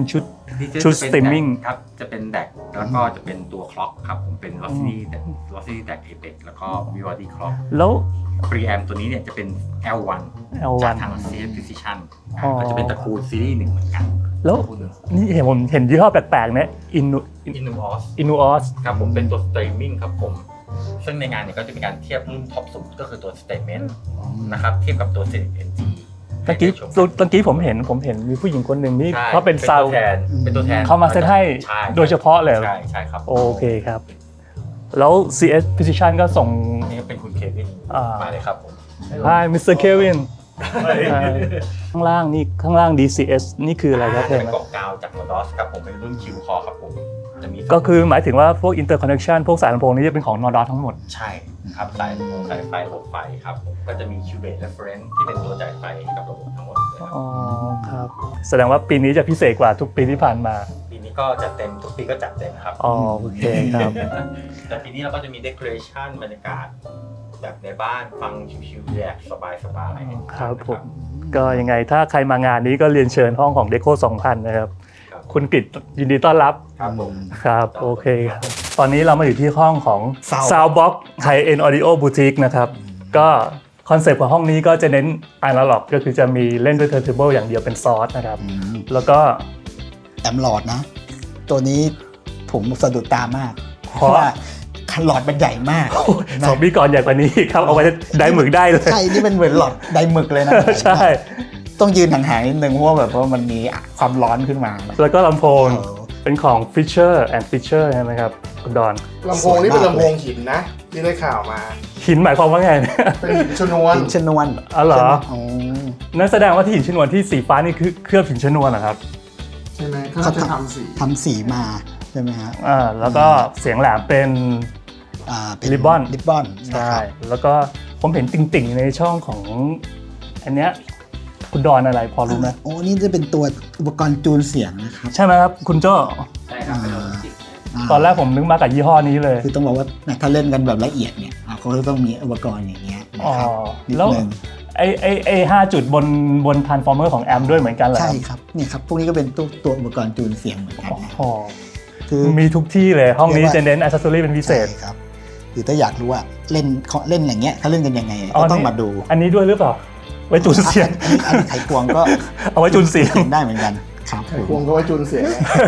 Speaker 1: ชุด streaming
Speaker 4: ครับจะเป็นแดกแล้วก็จะเป็นตัวคล็อกครับผมเป็น Rossi Rossi แดก Apex แล้วก็ Vivaldi Clock
Speaker 1: แล้ว
Speaker 4: preamp ตัวนี้เนี่ยจะเป็น แอล วัน
Speaker 1: แอล วัน
Speaker 4: จากทาง ซี เอส Precision
Speaker 1: อ๋อ
Speaker 4: ก็จะเป็นตระกูลซีรีส์หนึ่งเหมือนกัน
Speaker 1: แล้วนี่เห็นผมเห็นยี่ห้อแปลกๆเนี่ยอินู
Speaker 4: Inuos
Speaker 1: อินูออส
Speaker 4: ครับผมเป็นตัว streaming ครับผมซึ่งในงานเนี่ยก็จะมีการเทียบรุ่นท็อปสุดก็คือตัว Statement นะครับเทียบกับตัว เอ็น จี
Speaker 1: ตะกี้ตะกี้ผมเห็นผมเห็นมีผู้หญิงคนหนึ่งนี่
Speaker 4: ใช่
Speaker 1: เขาเป็นซาว
Speaker 4: ตัวแทนเป็นตัวแทน
Speaker 1: เขามาเซตให้
Speaker 4: ใช่
Speaker 1: โดยเฉพาะเลย
Speaker 4: ใช่ใช่ครับ
Speaker 1: โอเคครับ แล้ว ซี เอส Precision ก็ส่ง
Speaker 4: นี่ก็เป็นคุณเควิน
Speaker 1: อ่าม
Speaker 4: มาเลยครับผม
Speaker 1: Hi มิสเตอร์ Kevin ข้างล่างนี่ข้างล่าง ดี ซี เอส นี่คืออะไรครับ
Speaker 4: จะ
Speaker 1: เพื่
Speaker 4: เป็น
Speaker 1: อน
Speaker 4: กล่องกาวจาก Nordos ครับผมเป็นรุ่น Q Core ครับผมจะมี
Speaker 1: ก็คือหมายถึงว่าพวก interconnection พวกสายลำโพงนี่จะเป็นของ Nordos ทั้งหมด
Speaker 4: ใช่ครับสายลำโพงสายไฟระบบไฟครับผมก็จะมี Cubase Reference ที่เป็นตัวจ่ายไฟให้กับระบบทั้งหมดเลยครับ
Speaker 1: อ๋อครับ แสดงว่าปีนี้จะพิเศษกว่าทุกปีที่ผ่านมา
Speaker 4: ปีนี้ก็จัดเต็มทุกปีก็จัดเต็มครับ
Speaker 1: อ๋อโอเคครับ
Speaker 4: แต่ปีนี้เราก็จะมี decoration บรรยากาศแบบในบ้านฟังชิวๆแยกสบายๆ
Speaker 1: ครับผม ก็ยังไงถ้าใครมางานนี้ก็เรียนเชิญห้องของ Deco สองพัน นะครับ
Speaker 4: ครับ
Speaker 1: คุณกฤษยินดีต้อนรับ
Speaker 4: ครับผม
Speaker 1: ครับ โอเคครับตอนนี้เรามาอยู่ที่ห้องของ
Speaker 2: Sound
Speaker 1: Soundbox High End Audio Boutique นะครับ ก็คอนเซปต์ของห้องนี้ก็จะเน้น Analog ก็คือจะมีเล่นด้วย Turntable อย่างเดียวเป็นซอสนะครับ แล้วก็
Speaker 2: แอมหลอดนะ ตัวนี้ผมสะดุดตามาก
Speaker 1: เพ
Speaker 2: เพ
Speaker 1: ราะ
Speaker 2: ราะว่าคันหลอดมันใหญ่มาก
Speaker 1: สองปีก่อนใหญ่กว่านี้ครับ เอาไว้ได้หมึกได้เลย
Speaker 2: ใช่ นี่เป็นเหมือนหลอดไดหมึกเลยนะ
Speaker 1: ใช่
Speaker 2: ต้องยืนห่างๆนิดนึงเพราะว่าแบบว่ามันมีความร้อนขึ้นมา
Speaker 1: แล้วก็ลำโพง
Speaker 2: เออ
Speaker 1: เป็นของ Fisher and Fisher ใช่ไหมครับคุณดอน
Speaker 5: ลำโพงนี่เป็นลำโพงหินนะ ที่ได้ข่าวมา
Speaker 1: หินหมายความว่าไงเนี่ย
Speaker 5: เป็นหินชนวน
Speaker 2: หินชนวน
Speaker 1: อ๋อเหรอ
Speaker 2: ใช่ไมอ๋อ
Speaker 1: นั่นแสดงว่าที่หินชนวนที่สีฟ้านี่คือเคลือบหินชนวนเหรอครับ
Speaker 5: ใช่ไหมเขาจะทำสี
Speaker 2: ทำสีมาใช่ไหมฮะ
Speaker 1: อ่าแล้วก็เสียงแหลมเป็น
Speaker 2: อ่าเป็น
Speaker 1: Ribbon
Speaker 2: ริบบอน
Speaker 1: ใช่แล้วก็ผมเห็นติ่งๆในช่องของอันเนี้ยคุณดอนอะไรพอรู้ไหม
Speaker 2: โอ้นี่จะเป็นตัวอุปกรณ์จูนเสียงนะครับ
Speaker 1: ใช่ไหมครับคุณโจ้
Speaker 4: ใช่ครับเป็นระบบจิต
Speaker 2: า
Speaker 1: ตอนแรกผมนึกมากับยี่ห้อนี้เลย
Speaker 2: คือต้องบอกว่าถ้าเล่นกันแบบละเอียดเนี่ยอ่าเขาจะต้องมีอุปกรณ์อย่างเงี้ยนะ
Speaker 1: อ๋อ
Speaker 2: ครับนิด
Speaker 1: แล้ว
Speaker 2: นึง
Speaker 1: ไอไอไอห้าจุดบนบน transformer ของแอมด้วยเหมือนกันเหรอ
Speaker 2: ใช่ครับเนี่ยครับพวกนี้ก็เป็นตัวตัวอุปกรณ์จูนเสียงเหมือนกัน
Speaker 1: โอ้
Speaker 2: นะ
Speaker 1: โห
Speaker 2: คือ
Speaker 1: มีทุกที่เลยห้องนี้
Speaker 2: เรียกว่า
Speaker 1: จะเน้น accessory เป็นพิเศษ
Speaker 2: ใช่ครับคือถ้าอยากรู้ว่าเล่นเขาเล่นอย่างเงี้ยเขาเล่นกันยังไง
Speaker 1: อ๋อ
Speaker 2: ก็ต้อง
Speaker 1: นี่
Speaker 2: มาดู
Speaker 1: อันนี้ด้วยหรือเปล่า ไว้จูนเสียง
Speaker 2: อันนี้อันนี้ไขควงก็
Speaker 1: เอาไว้จูนเสียง
Speaker 2: ได้เหมือนกันครับผม
Speaker 5: พวงก็ไว้จูนเสียง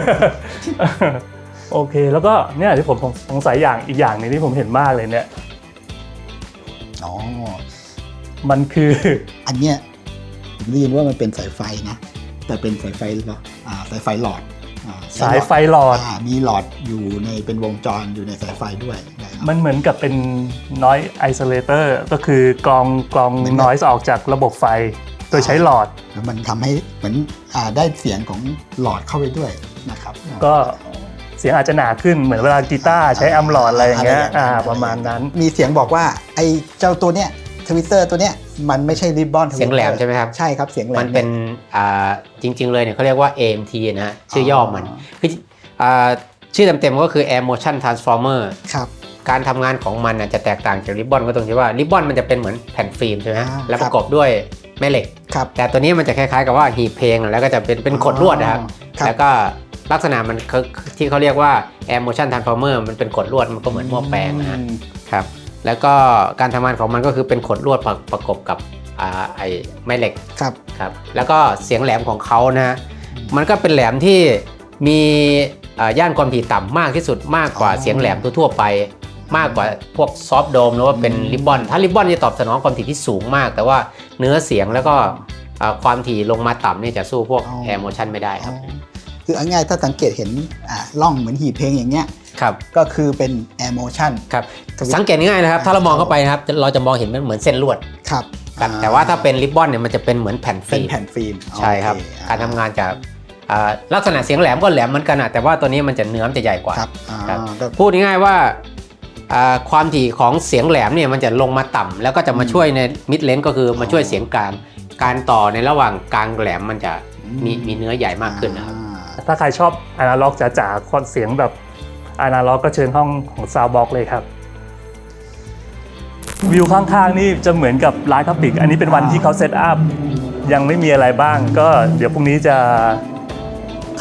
Speaker 1: โอเค แล้วก็เนี่ยที่ผมสงสัยอย่างอีกอย่างหนึงที่ผมเห็นมากเลยเนี่ย
Speaker 2: อ๋อ
Speaker 1: มันคือ
Speaker 2: อันเนี้ยผมได้ยินว่ามันเป็นสายไฟนะแต่เป็นสายไฟหลอดอ่าสายไฟหลอดอ่
Speaker 1: สายไฟหลอด
Speaker 2: อ่ามีหลอดอยู่ในเป็นวงจรอยู่ในสายไฟด้วยนะครับ
Speaker 1: มันเหมือนกับเป็น noise isolator ก็คือกรองกรอง
Speaker 2: เหมือนแบบ
Speaker 1: noise ออกจากระบบไฟ โดยใช้หลอด
Speaker 2: แล้วมันทำให้เหมือนอ่าได้เสียงของหลอดเข้าไปด้วยนะครับ
Speaker 1: ก็เสียงอาจจะหนาขึ้นเหมือนเวลากีตาร์ใช้แอมป์หลอดอะไรอย่างเงี้ยอ่าประมาณนั้น
Speaker 2: มีเสียงบอกว่าไอ้เจ้าตัวเนี้ยทวิตเตอร์ตัวเนี้ยมันไม่ใช่ริบบอน
Speaker 6: เสียงแหลมใช่ไหมครับ
Speaker 2: ใช่ครับเสียงแหลม
Speaker 6: มันเป็นอ่าจริง ๆ เลยเนี่ยเขาเรียกว่า เอ เอ็ม ที นะฮะชื่อย่อมันคืออ่าชื่อเต็มๆก็คือ Air Motion Transformer
Speaker 2: ครับ
Speaker 6: การทำงานของมันน่ะจะแตกต่างจากริบบอนก็ตรงที่ว่าริบบอนมันจะเป็นเหมือนแผ่นฟิล์มใช่ไหมฮะ
Speaker 2: อ่า
Speaker 6: แล้วประกอบด้วยแม่เหล็ก
Speaker 2: ครับ
Speaker 6: แต่ตัวนี้มันจะคล้ายๆกับว่าหีบเพลงแล้วก็จะเป็นเป็นขดลวดนะครับ
Speaker 2: ครับ
Speaker 6: แล้วก็ลักษณะมันคือที่เขาเรียกว่า Air Motion Transformer มันเป็นขดลวดมันก็เหมือนหม้อแปลงนะฮะ
Speaker 2: อืม
Speaker 6: ครับแล้วก็การทำงานของมันก็คือเป็นขดลวดประประกบกับอ่าไอ้แม่เหล็ก
Speaker 2: ครับ
Speaker 6: ครับแล้วก็เสียงแหลมของเขานะฮะมันก็เป็นแหลมที่มีอ่าย่านความถี่ต่ำมากที่สุดมากกว่า
Speaker 2: อ๋อ
Speaker 6: เสียงแหลมทั่วๆไป มากกว่าพวกซอฟต์โดมหรือว่าเป็นริบบอนถ้าริบบอนจะตอบสนองความถี่ที่สูงมาก แต่ว่าเนื้อเสียงแล้วก็อ่าความถี่ลงมาต่ำเนี่ยจะสู้พวก
Speaker 2: อ๋อ
Speaker 6: Air Motion ไม่ได้ครับ
Speaker 2: อ๋อคือเอาง่ายๆถ้าสังเกตเห็นอ่าร่องเหมือนหีบเพลงอย่างเงี้ย
Speaker 6: ครับ
Speaker 2: ก็คือเป็น Air Motion
Speaker 6: ครับ
Speaker 2: ทวิต
Speaker 6: สังเกตง่ายๆนะครับถ้าเรามองเข้าไปนะครับเราจะมองเห็นมันเหมือนเส้นลวด
Speaker 2: ครับ
Speaker 6: ครับ
Speaker 2: อ่
Speaker 6: แต่ว่าถ้าเป็นริบบอนเนี่ยมันจะเป็นเหมือนแผ่น
Speaker 2: เป็น
Speaker 6: ฟิล์ม
Speaker 2: แผ่นฟิล์ม
Speaker 6: ใช่ครับ
Speaker 2: โอเ
Speaker 6: การทำงานจากอ่าลักษณะเสียงแหลมก็แหลมเหมือนกันอะแต่ว่าตัวนี้มันจะเนื้อมันจะใหญ่กว่า
Speaker 2: ครับอ่า
Speaker 6: ครับ
Speaker 2: ก็
Speaker 6: พูดง่ายๆว่าอ่าความถี่ของเสียงแหลมเนี่ยมันจะลงมาต่ำแล้วก็จะมาช่วยในมิดเลนก็คือมาช่วยเสียงกลางการต่อในระหว่างกลางแหลมมันจะมีมีเนื้อใหญ่มากขึ้นนะครับ
Speaker 2: อ่า
Speaker 1: ถ้าใครชอบอนาล็อกจ๋าๆคอนเสียงแบบอนาล็อกก็เชิญห้องของ Soundbox เลยครับ วิวข้างๆนี่จะเหมือนกับร้านคาปิกอันนี้เป็นวันที่เขาเซตอัพยังไม่มีอะไรบ้าง ก็เดี๋ยวพรุ่งนี้จะ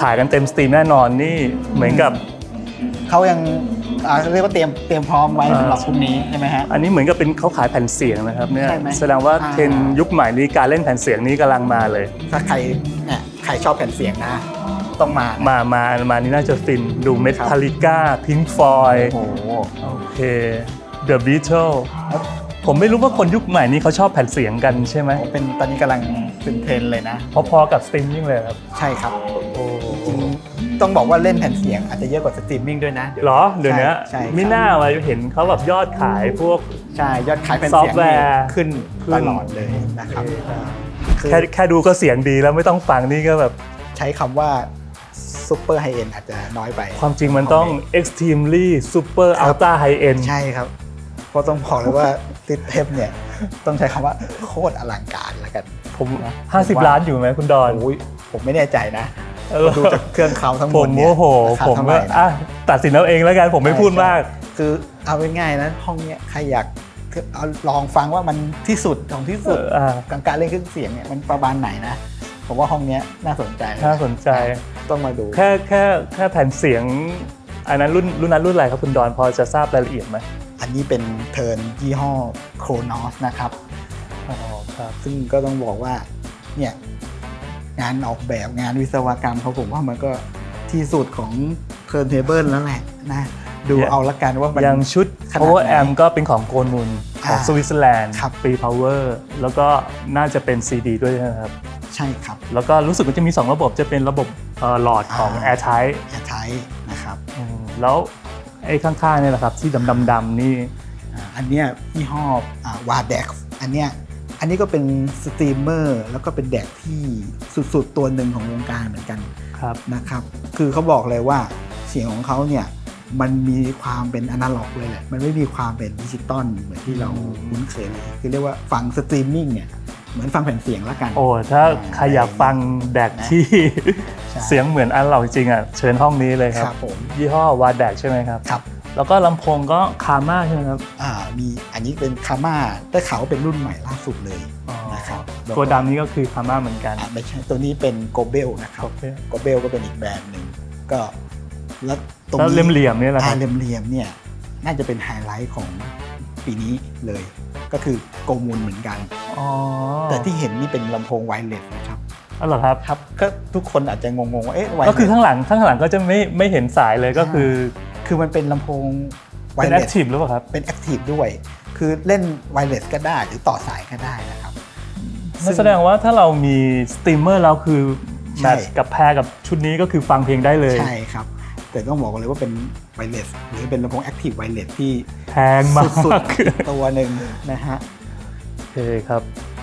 Speaker 1: ขายกันเต็มสตรีมแน่นอนนี่เหมือนกับ
Speaker 2: เขายังอ่าเรียกว่าเตรียมเตรียมพร้อมไว้สำหรับพรุ่งนี้ใช่ไหมฮะ
Speaker 1: อันนี้เหมือนกับเป็นเขาขายแผ่นเสียงนะครับเนี่ย
Speaker 2: ใช่ไหม
Speaker 1: แสดงว่า
Speaker 2: อ่า
Speaker 1: เทรนด์ยุคใหม่นี้การเล่นแผ่นเสียงนี้กำลังมาเลย
Speaker 2: ถ้าใครเนี่ยใครชอบแผ่นเสียงนะ ต้องมานะ
Speaker 1: มามามานี่น่าจะฟินดูเมทัลลิก้าพิงค์ฟอย
Speaker 2: โอ้โห
Speaker 1: โอเค The Beatles ผมไม่รู้ว่าคนยุคใหม่นี้เขาชอบแผ่นเสียงกันใช่ไหม
Speaker 2: เป็นตอนนี้กำลังเป็นเทรนด์เลยนะ
Speaker 1: พอๆกับสตรีมมิ่งเลยครับ
Speaker 2: ใช่ครับ
Speaker 1: โอ้
Speaker 2: จริงๆต้องบอกว่าเล่นแผ่นเสียงอาจจะเยอะกว่าสตรีมมิ่งด้วยนะ
Speaker 1: เหรอเดี๋ยวนี้
Speaker 2: ใช่ใช่
Speaker 1: ไม่น่าไว้เห็นเขาแบบยอดขายพวก
Speaker 2: ใช่ยอดขายแผ่น
Speaker 1: ซอ
Speaker 2: เสี
Speaker 1: ฟ
Speaker 2: ยง
Speaker 1: ต์แวร์
Speaker 2: นี่ขึ้น
Speaker 1: ขึ้น
Speaker 2: ตลอดเลยนะครับคือ
Speaker 1: แค่แค่ดูก็เสียงดีแล้วไม่ต้องฟังนี่ก็แบบ
Speaker 2: ใช้คำว่าซูเปอร์ไฮเอ็นอาจจะน้อยไป
Speaker 1: ความจริงมันต้อง extremely super
Speaker 2: ครับ
Speaker 1: ultra high end
Speaker 2: ใช่ครับ เพราะต้องบอกเลยว่าติดเทปเนี่ยต้องใช้คำว่าโคตรอลังการแล้วกัน
Speaker 1: ผม 50 ล้านอยู่ไหมคุณดอน
Speaker 2: โอ้ยผมไม่แน่ใจนะ
Speaker 1: เออ
Speaker 2: ดูจากเครื่องเขาทั้งห
Speaker 1: ผม ม
Speaker 2: ดเนี่ย
Speaker 1: โอ้โห
Speaker 2: ราคา
Speaker 1: ผม
Speaker 2: เท่าไห
Speaker 1: ก็
Speaker 2: ร่นะ
Speaker 1: อ่ะตัดสินเอาเองแล้วกันผมไม่พูดมาก
Speaker 2: คือเอาง่ายๆนะห้องเนี้ยใครอยากคือเอาลองฟังว่ามันที่สุดของที่สุด
Speaker 1: เอออ่า
Speaker 2: กับการเล่นเครื่องเสียงเนี่ยมันประมาณไหนนะผมว่าห้องเนี้ยน่าสนใจ
Speaker 1: น่าสนใจ
Speaker 2: ต้องมาดู
Speaker 1: แค่แค่แค่แผ่นเสียง อันนั้นรุ่นรุ่นนั้นรุ่นอะไรครับคุณดอนพอจะทราบรายละเอียดไหม
Speaker 2: อันนี้เป็นเทิร์นยี่ห้อโครนอสนะครับ
Speaker 1: อ๋อครับ
Speaker 2: ซึ่งก็ต้องบอกว่าเนี่ยงานออกแบบงานวิศวกรรมเขาผมว่ามันก็ที่สุดของเทิร์นเทเบิลแล้วแหละนะดูเอาละกันว่ามัน
Speaker 1: อย่างชุด
Speaker 2: ขนาด
Speaker 1: power
Speaker 2: ไหน
Speaker 1: amp ก็เป็นของโกนุนของ
Speaker 2: อ่า
Speaker 1: สวิตเซอร์แลนด์
Speaker 2: ครับ
Speaker 1: ปี power แล้วก็น่าจะเป็น ซี ดี ด้วยนะครับ
Speaker 2: ใช่ครับ
Speaker 1: แล้วก็รู้สึกว่าจะมี สอง ระบบจะเป็นระบบเอ่อหลอดของ
Speaker 2: อ่า
Speaker 1: airtight
Speaker 2: แอร์ไทนะครับ
Speaker 1: อืมแล้วไอ้ข้างๆเนี่ยแหละครับที่ดำๆๆนี่
Speaker 2: อ่าอันเนี้ยยี่ห้อวาเด็กอันเนี้ยอันนี้ก็เป็นสตรีมเมอร์แล้วก็เป็นแดกที่สุดๆตัวหนึ่งของวงการเหมือนกัน
Speaker 1: ครับ
Speaker 2: นะครับคือเขาบอกเลยว่าเสียงของเขาเนี่ยมันมีความเป็นอนาล็อกเลยแหละมันไม่มีความเป็นดิจิตอลเหมือนที่เราคุ้นเคยเลยคือเรียกว่าฟังสตรีมมิ่งเนี่ยเหมือนฟังแผ่นเสียงละกัน
Speaker 1: โอ้ถ้าใครอยากฟังแดกที่
Speaker 2: ใช่
Speaker 1: เสียงเหมือนอันเราจริงอ่ะเชิญห้องนี้เลยค
Speaker 2: ค
Speaker 1: รั
Speaker 2: รับ บผม
Speaker 1: ยี่ห้อวาแดกใช่ไหมครับ
Speaker 2: ครับ
Speaker 1: แล้วก็ลำโพงก็คาม่าใช่ไหมครับ
Speaker 2: อ่ามีอันนี้เป็นคาม่าได้ข่าวว่าเป็นรุ่นใหม่ล่าสุดเลย
Speaker 1: อ๋อ
Speaker 2: นะครับแล้วก็
Speaker 1: ตัวดำนี้ก็คือคาม่าเหมือนกัน
Speaker 2: อ่าไม่ใช่ตัวนี้เป็นโกเบลนะครับ
Speaker 1: โอเค
Speaker 2: โกเบลก็เป็นอีกแบรนด์หนึ่งก็แล้วตรง
Speaker 1: แล้ว
Speaker 2: นี้
Speaker 1: เหลี่ยมๆเนี่ยแหละค
Speaker 2: อ่า
Speaker 1: รับ
Speaker 2: เหลี่ยมๆเนี่ยน่าจะเป็นไฮไลท์ของปีนี้เลย ก็คือโกมูลเหมือนกัน
Speaker 1: อ๋อ
Speaker 2: แต่ที่เห็นนี่เป็นลำโพงไวเลสนะครับ
Speaker 1: อ๋อเหรอครับ
Speaker 2: ครับก็ทุกคนอาจจะงงๆว่าเอ๊ะไวเลส
Speaker 1: ก็คือข้างหลังข้างหลังก็จะไม่ไม่เห็นสายเลยก็คือ
Speaker 2: คือมันเป็นลำโพงไว
Speaker 1: เป็น
Speaker 2: เล
Speaker 1: แอค
Speaker 2: ส
Speaker 1: ทีฟหรือเปล่าครับ
Speaker 2: เป็นแอคทีฟด้วย คือเล่นไวเลสก็ได้หรือต่อสายก็ได้นะครับ
Speaker 1: นั่นแสดงว่าถ้าเรามีสตรีมเมอร์เราคือ
Speaker 2: ใช่
Speaker 1: แมทช์กับแพรกับชุดนี้ก็คือฟังเพลงได้เลย
Speaker 2: ใช่ครับ แต่ต้องบอกกันเลยว่าเป็นไวเลสหรือเป็นลำโพงแอคทีฟไวเลสที่
Speaker 1: แพงมาก
Speaker 2: สุดๆตัวหนึ่งนะฮะ
Speaker 1: โอเคครับ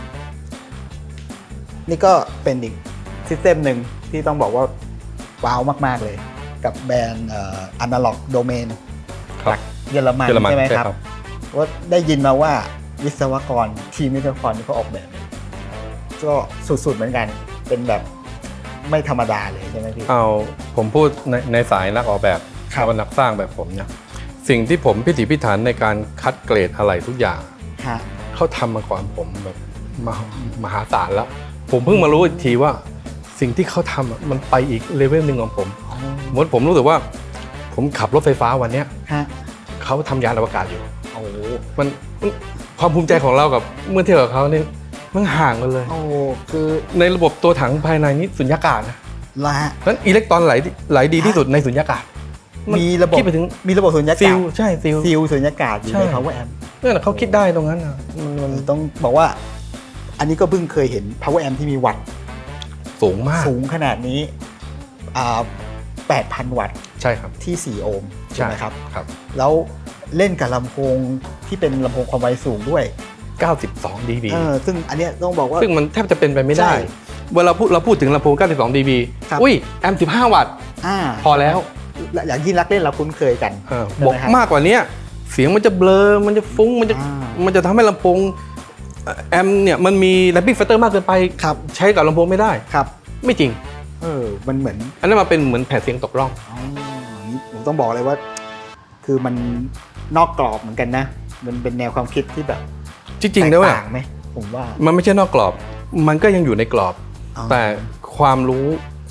Speaker 2: นี่ก็เป็นอีกซิสเต็มหนึ่งที่ต้องบอกว่าว้าวมาก ๆ เลย กับแบรนด์อนาล็อกโดเมน
Speaker 7: ครับ
Speaker 2: จากเยอรมัน
Speaker 7: เยอรมัน
Speaker 2: ใช่ไหม
Speaker 7: ใช่
Speaker 2: ครับ
Speaker 7: ครับ
Speaker 2: ว่าได้ยินมาว่าวิศวกรทีมวิศวกรที่เขาออกแบบ ก็สุด ๆ เหมือนกัน เป็นแบบไม่ธรรมดาเลยใช่ไหมพี่
Speaker 7: เอาผมพูดในในสายนักออกแบบ
Speaker 2: ครับ
Speaker 7: แล้วก็นักสร้างแบบผมเนี่ยสิ่งที่ผมพิถีพิถันในการคัดเกรดอะไรทุกอย่าง
Speaker 2: ฮะ
Speaker 7: เขาทำมาก่อนผมแบบมหามหาศาลแล้ว ผมเพิ่งมารู้อีกทีว่าสิ่งที่เขาทำอะมันไปอีกเลเวลหนึ่งของผมเหมือนผมรู้สึกว่า ผมขับรถไฟฟ้าวันเนี้ย
Speaker 2: ฮะ
Speaker 7: เขาทำยานอวกาศอยู่
Speaker 2: โอ้โห
Speaker 7: มันมันความภูมิใจของเรากับเมื่อเทียบกับเขาเนี่ยมันห่างกันเลย
Speaker 2: โอ้โหคือ
Speaker 7: ในระบบตัวถังภายในนี้สุญญากาศนะ
Speaker 2: ละฮะ
Speaker 7: นั้นอิเล็กตรอนไหลไหลดีที่สุดในสุญญากาศน
Speaker 2: มีระบบ
Speaker 7: คิดไปถึง
Speaker 2: มีระบบสุญญา
Speaker 7: ซิ
Speaker 2: กาศ
Speaker 7: ลใช่ซิล
Speaker 2: ซิลสุญญากาศอยู่
Speaker 7: ใช่
Speaker 2: ใน power amp
Speaker 7: นั่นนะเขาคิดได้ตรงนั้นนะมันมัน
Speaker 2: ต้องบอกว่า อันนี้ก็เพิ่งเคยเห็น power amp ที่มีวัตต์
Speaker 7: สูงมาก
Speaker 2: สูงขนาดนี้อ่าแปดพัน วัตต์
Speaker 7: ใช่ครับ
Speaker 2: ที่ สี่ โอห์มใช่ไหมครับ
Speaker 7: ครับ
Speaker 2: แล้วเล่นกับลำโพงที่เป็นลำโพงความไวสูงด้วย
Speaker 7: เก้าสิบสอง ดี บี
Speaker 2: เออซึ่งอันเนี้ยต้องบอกว่า
Speaker 7: ซึ่งมันแทบจะเป็นไปไม่ได้
Speaker 2: ใช่
Speaker 7: เวลาพูดเราพูดถึงลำโพงเก้าสิบสอง ดี บี
Speaker 2: ครับ
Speaker 7: อุ้ยแอมป์สิบห้า วัตต์
Speaker 2: อ่า
Speaker 7: พอแล้ว
Speaker 2: และอย่างที่รักเล่นเราคุ้นเคยกัน
Speaker 7: เออ
Speaker 2: ใช่ไหม
Speaker 7: บอก
Speaker 2: ครับ
Speaker 7: มากกว่านี้เสียงมันจะเบลอมันจะฟุ้งมันจะ
Speaker 2: อ่า
Speaker 7: มันจะทำให้ลำโพงแอมป์เนี่ยมันมีแรปปิ้งแฟกเตอร์มากเกินไป
Speaker 2: ครับ
Speaker 7: ใช้กับลำโพงไม่ได้
Speaker 2: ครับ
Speaker 7: ไม่จริง
Speaker 2: เออมันเหมือน
Speaker 7: อันนั้นมาเป็นเหมือนแผ่นเสียงตกร่อง
Speaker 2: อ๋อนี่ผมต้องบอกเลยว่า คือมันนอกกรอบเหมือนกันนะ มันเป็นแนวความคิดที่แบบ
Speaker 7: จริงๆแล้ว
Speaker 2: แต
Speaker 7: เนี่ย
Speaker 2: กต่างไหมผมว่า
Speaker 7: มันไม่ใช่นอกกรอบ มันก็ยังอยู่ในกรอบ
Speaker 2: อ๋อ
Speaker 7: แต่ความรู้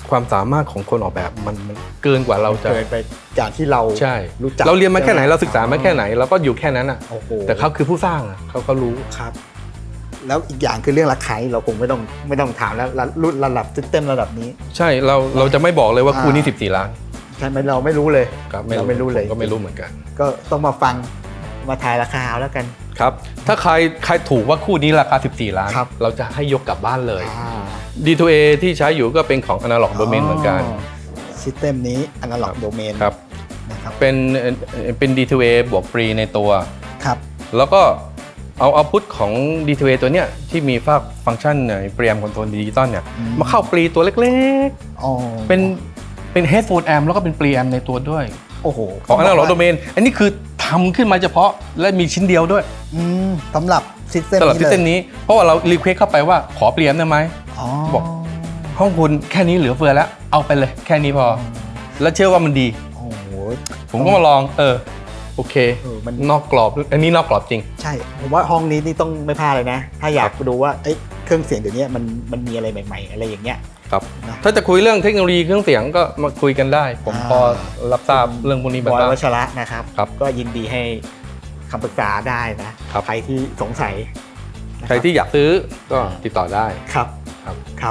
Speaker 7: ความสามารถของคนออกแบบมันมันเกินกว่าเราจะ
Speaker 2: เกินไปจากที่เรา
Speaker 7: ใช่
Speaker 2: รู้จัก
Speaker 7: เราเรียนมาแค่ไหนเราศึกษามาแค่ไหนเราก็อยู่แค่นั้นอ่ะ
Speaker 2: โอ้โห
Speaker 7: แต่เขาคือผู้สร้างอะเขาก็รู้
Speaker 2: ครับ แล้วอีกอย่างคือเรื่องราคาเราคงไม่ต้องไม่ต้องถามแล้วรุ่นระดับซิสเต็มระดับนี้
Speaker 7: ใช่เราเราจะไม่บอกเลยว่าคู่นี้สิบสี่ล้าน
Speaker 2: ใช่ไหมเราไม่รู้เลย
Speaker 7: ครับ
Speaker 2: เราไม่รู้เลย
Speaker 7: ผมก็ไม่รู้เหมือนกัน
Speaker 2: ก็ต้องมาฟังมาทายราคาเอาแล้วกัน
Speaker 7: ครับถ้าใครใครถูกว่าคู่นี้ราคาสิบสี่ล้าน
Speaker 2: ครับ
Speaker 7: เราจะให้ยกกลับบ้านเลย
Speaker 2: อ่า
Speaker 7: ดี ทู เอ ที่ใช้อยู่ก็เป็นของ Analog Domain เหมือนกัน
Speaker 2: ซิสเต็มนี้ Analog Domain
Speaker 7: ครับ
Speaker 2: นะครับ
Speaker 7: เป็นเอ่อเป็น ดี ทู เอ บวกฟรีในตัว
Speaker 2: ครับ
Speaker 7: แล้วก็เอาเอาพุทของ ดี ทู เอ ตัวเนี้ยที่มีฟังฟังก์ชันเปรียมคอนโทรลดิจิตอลเนี่ย
Speaker 2: อืม
Speaker 7: มาเข้าปรีตัวเล็ก
Speaker 2: อ๋อ
Speaker 7: ๆ เป็นเป็น headphone amp แล้วก็เป็นปรีแอมในตัวด้วย
Speaker 2: โอ้โห
Speaker 7: ของ Analog Domain อันนี้คือทำขึ้นมาเฉพาะและมีชิ้นเดียวด้วย
Speaker 2: อืมสำหรับซิสเต็ม
Speaker 7: สำหรับ
Speaker 2: นี้
Speaker 7: ซิส
Speaker 2: เล
Speaker 7: เต็ม
Speaker 2: ย
Speaker 7: นี้เพราะว่าเรารีเควสเข้าไปว่าขอเปลี่ยนได้ไหม
Speaker 2: อ๋อ
Speaker 7: บอก ห้องคุณแค่นี้เหลือเฟือแล้วเอาไปเลยแค่นี้พอ แล้วเชื่อว่ามันดี
Speaker 2: โอ้โห
Speaker 7: ผมก็มาลองเออโอเค
Speaker 2: เออมัน
Speaker 7: นอกกรอบอันนี้นอกกรอบจริง
Speaker 2: ใช่ผมว่าห้องนี้นี่ต้องไม่พลาดเลยนะ ถ้าอยากดูว่าเอ้ยเครื่องเสียงเดี๋ยวนี้มันมันมีอะไรใหม่ๆ อะไรอย่างเงี้ย
Speaker 7: ครับ
Speaker 2: นะ
Speaker 7: ถ้าจะคุยเรื่องเทคโนโลยีเครื่องเสียงก็มาคุยกันได้ ผม
Speaker 2: อ่า
Speaker 7: พอรับทราบเรื่องพวกนี้
Speaker 2: บ
Speaker 7: บ้าง
Speaker 2: อยวัชระนะครับ
Speaker 7: ครับ
Speaker 2: ก็ยินดีให้คำปรึกษาได้นะครับ ใครที่สงสัยนะบ
Speaker 7: ใครที่อยากซื้อก็ติดต่อได้
Speaker 2: ครับ
Speaker 7: ครับ
Speaker 2: ครับ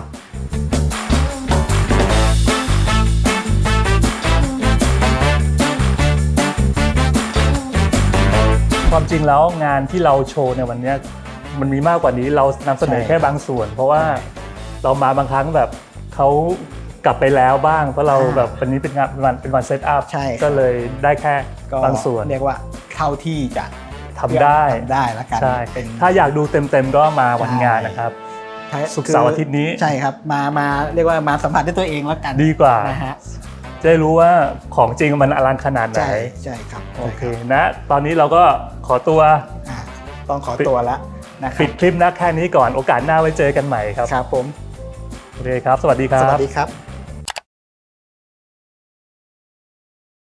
Speaker 1: ความจริงแล้วงานที่เราโชว์ในวันเนี้ยมันมีมากกว่านี้เรานำเสนอ
Speaker 2: ใช่
Speaker 1: แค่บางส่วน เพราะว่าเรามาบางครั้งแบบเขากลับไปแล้วบ้าง เพราะเราแบบวันนี้เป็นงานเป็นวันเป็นวันเซตอัพ
Speaker 2: ใช่ครับ
Speaker 1: ก็เลยได้แค่
Speaker 2: ก็
Speaker 1: บางส่วน
Speaker 2: เรียกว่าเท่าที่จะ
Speaker 1: ทำได้
Speaker 2: ทำได้แล้วกัน
Speaker 1: ใช่
Speaker 2: เป็น
Speaker 1: ถ้าอยากดูเต็มๆก็มาวันงาน
Speaker 2: ใช่
Speaker 1: นะครับ
Speaker 2: ถ้า
Speaker 1: ศุกร์เสาร์อาทิตย์นี้
Speaker 2: ใช่ครับมามาเรียกว่ามาสัมผัสด้วยตัวเองแล้วกัน
Speaker 1: ดีกว่า
Speaker 2: นะฮะ
Speaker 1: จะได้รู้ว่าของจริงมันอลังขนาดไหน
Speaker 2: ใช่ใช่ครับ
Speaker 1: โอเคนะตอนนี้เราก็ขอตัว
Speaker 2: อ่าต้องขอตัวแล้วนะครั
Speaker 1: ปิดคลิปนะแค่นี้ก่อนโอกาสหน้าไว้เจอกันใหม่ครับ
Speaker 2: ครับผม
Speaker 1: โอเคครับ สวัสดีครั
Speaker 2: สวั
Speaker 1: บ
Speaker 2: สดีครับ